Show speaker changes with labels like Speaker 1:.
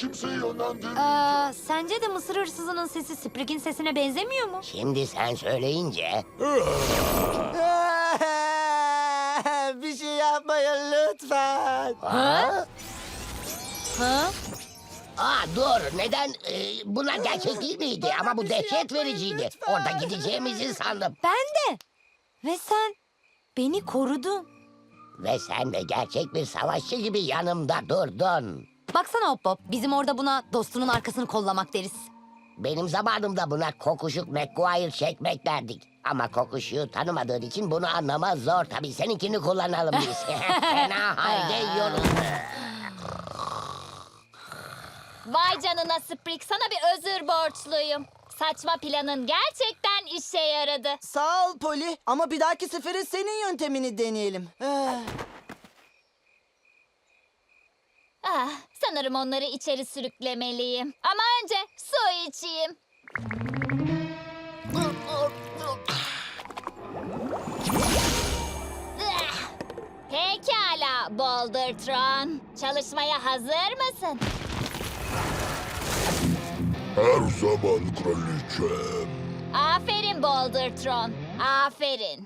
Speaker 1: kimseyi yönlendirmeyeceğim.
Speaker 2: Sence de mısır hırsızının sesi Sprig'in sesine benzemiyor mu?
Speaker 3: Şimdi sen söyleyince...
Speaker 4: Bir şey yapmayın lütfen.
Speaker 3: Ha?
Speaker 2: Ha?
Speaker 3: Dur, neden? Bunlar gerçek değil miydi? Ama bu dehşet vericiydi. Orada gideceğimizi sandım.
Speaker 2: Ben de. Ve sen beni korudun.
Speaker 3: Ve sen de gerçek bir savaşçı gibi yanımda durdun.
Speaker 2: Baksana Hop Hop, bizim orada buna dostunun arkasını kollamak deriz.
Speaker 3: Benim zamanımda buna kokuşuk McGuire çekmek derdik. Ama kokuşuğu tanımadığın için bunu anlamak zor. Tabii seninkini kullanalım biz. Fena halde yiyoruz.
Speaker 5: Vay canına Sprig, sana bir özür borçluyum. Saçma planın gerçekten işe yaradı.
Speaker 4: Sağ ol Poli ama bir dahaki sefere senin yöntemini deneyelim.
Speaker 5: Sanırım onları içeri sürüklemeliyim. Ama önce su içeyim. Pekala Bouldertron. Çalışmaya hazır mısın?
Speaker 1: Her zaman kraliçem.
Speaker 5: Aferin Bouldertron. Aferin.